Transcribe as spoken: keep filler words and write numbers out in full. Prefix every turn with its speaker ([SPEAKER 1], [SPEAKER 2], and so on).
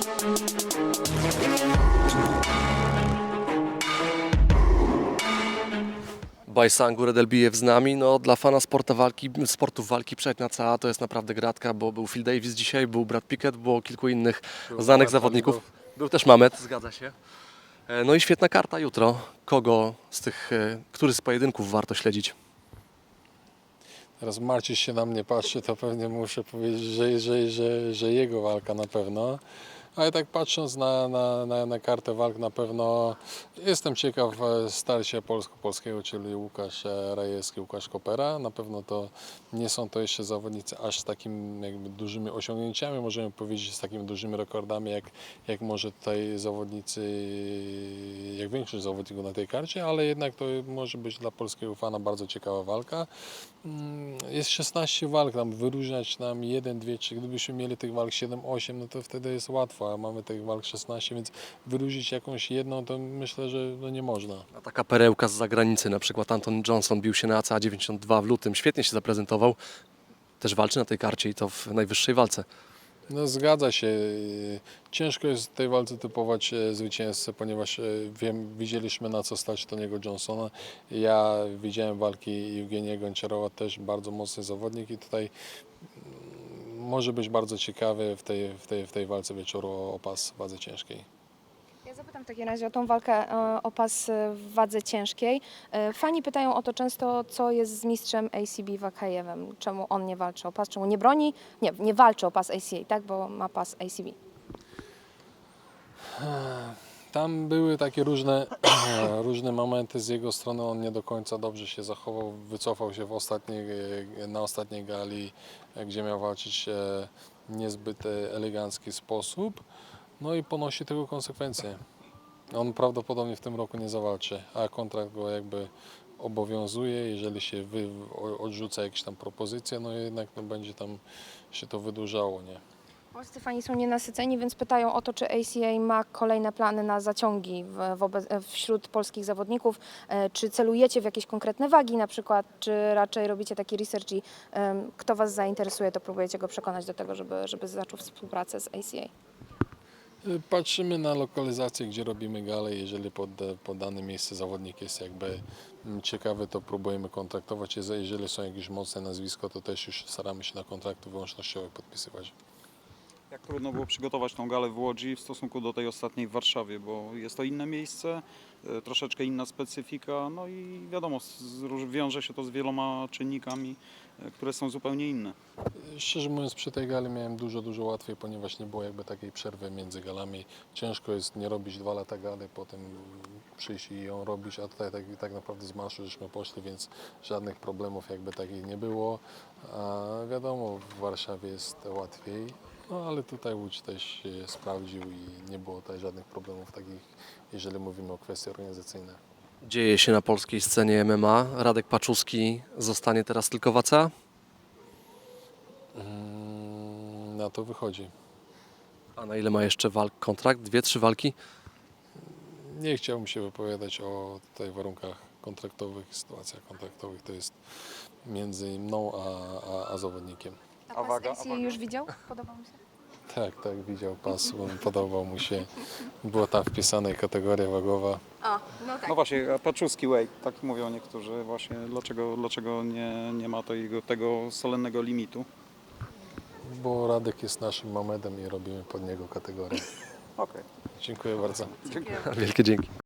[SPEAKER 1] Bajsangu Redelbijew z nami. No, dla fana sportu walki, sportów walki przednia cała to jest naprawdę gratka, bo był Phil Davis dzisiaj, był Brad Pickett, było kilku innych
[SPEAKER 2] Był
[SPEAKER 1] znanych
[SPEAKER 2] Mamet
[SPEAKER 1] zawodników.
[SPEAKER 2] Halilov.
[SPEAKER 1] Był też Mamet, zgadza się. E, No i świetna karta jutro. Kogo z tych, e, który z pojedynków warto śledzić?
[SPEAKER 2] Teraz Marcin się na mnie patrzy, to pewnie muszę powiedzieć, że, że, że, że jego walka na pewno. Ale tak patrząc na, na, na, na kartę walk, na pewno jestem ciekaw starcia polsko-polskiego, czyli Łukasz Rajewski, Łukasz Kopera. Na pewno to nie są to jeszcze zawodnicy aż z takimi jakby dużymi osiągnięciami, możemy powiedzieć z takimi dużymi rekordami, jak, jak może tutaj zawodnicy, jak większość zawodników na tej karcie, ale jednak to może być dla polskiego fana bardzo ciekawa walka. Jest szesnaście walk, tam wyróżniać nam jeden, dwie, trzy. Gdybyśmy mieli tych walk siedem, osiem, no to wtedy jest łatwo, a mamy tych walk szesnaście, więc wyróżnić jakąś jedną, to myślę, że no nie można.
[SPEAKER 1] A taka perełka z zagranicy, na przykład Anton Johnson bił się na A C A dziewięćdziesiąt dwa w lutym, świetnie się zaprezentował. Też walczy na tej karcie i to w najwyższej walce.
[SPEAKER 2] No zgadza się. Ciężko jest w tej walce typować zwycięzcę, ponieważ wiem, widzieliśmy na co stać Tony'ego Johnsona. Ja widziałem walki Eugeniego Gonczarowa, też bardzo mocny zawodnik i tutaj może być bardzo ciekawy w tej, w tej, w tej walce wieczoru o pas w wadze ciężkiej.
[SPEAKER 3] Ja zapytam w takim razie o tą walkę e, o pas e, w wadze ciężkiej. E, Fani pytają o to często, co jest z mistrzem A C B Wakajewem. Czemu on nie walczy o pas, czemu nie broni? Nie, nie walczy o pas A C A, tak? Bo ma pas A C B.
[SPEAKER 2] Tam były takie różne, różne momenty z jego strony, on nie do końca dobrze się zachował, wycofał się w ostatniej, na ostatniej gali, gdzie miał walczyć w niezbyt elegancki sposób, no i ponosi tego konsekwencje. On prawdopodobnie w tym roku nie zawalczy, a kontrakt go jakby obowiązuje, jeżeli się wy, odrzuca jakieś tam propozycje, no jednak no będzie tam się to wydłużało, nie?
[SPEAKER 3] Polscy fani są nienasyceni, więc pytają o to, czy A C A ma kolejne plany na zaciągi w, wobec, wśród polskich zawodników. E, Czy celujecie w jakieś konkretne wagi na przykład, czy raczej robicie taki research i em, kto Was zainteresuje, to próbujecie go przekonać do tego, żeby, żeby zaczął współpracę z A C A?
[SPEAKER 2] Patrzymy na lokalizację, gdzie robimy galę. Jeżeli pod, pod dane miejsce zawodnik jest jakby ciekawy, to próbujemy kontraktować. Jeżeli są jakieś mocne nazwisko, to też już staramy się na kontrakty wyłącznościowe podpisywać.
[SPEAKER 4] Jak trudno było przygotować tą galę w Łodzi w stosunku do tej ostatniej w Warszawie, bo jest to inne miejsce, e, troszeczkę inna specyfika, no i wiadomo, z, wiąże się to z wieloma czynnikami, e, które są zupełnie inne.
[SPEAKER 2] Szczerze mówiąc, przy tej gali miałem dużo, dużo łatwiej, ponieważ nie było jakby takiej przerwy między galami. Ciężko jest nie robić dwa lata gali, potem przyjść i ją robić, a tutaj tak, tak naprawdę z marszu żeśmy poszli, więc żadnych problemów jakby takich nie było. A wiadomo, w Warszawie jest łatwiej. No ale tutaj Łódź też się sprawdził i nie było tutaj żadnych problemów takich, jeżeli mówimy o kwestii organizacyjne.
[SPEAKER 1] Dzieje się na polskiej scenie M M A. Radek Paczuski zostanie teraz tylko w A C A?
[SPEAKER 2] Mm, Na to wychodzi.
[SPEAKER 1] A na ile ma jeszcze walk kontrakt? Dwie, trzy walki?
[SPEAKER 2] Nie chciałbym się wypowiadać o tutaj warunkach kontraktowych, sytuacjach kontraktowych. To jest między mną a, a, a zawodnikiem.
[SPEAKER 3] A
[SPEAKER 4] A
[SPEAKER 3] pas
[SPEAKER 4] waga,
[SPEAKER 3] A C A
[SPEAKER 4] a waga?
[SPEAKER 3] już widział? Podobał mu się?
[SPEAKER 2] Tak, tak, widział pas, podobał mu się. Była tam wpisana kategoria wagowa.
[SPEAKER 3] O, no tak.
[SPEAKER 4] No właśnie, a Paczuski weight, tak mówią niektórzy właśnie, dlaczego, dlaczego nie, nie ma tego, tego solennego limitu.
[SPEAKER 2] Bo Radek jest naszym Mamedem i robimy pod niego kategorię.
[SPEAKER 4] Okej,
[SPEAKER 2] Dziękuję bardzo.
[SPEAKER 4] dziękuję.
[SPEAKER 1] Wielkie dzięki.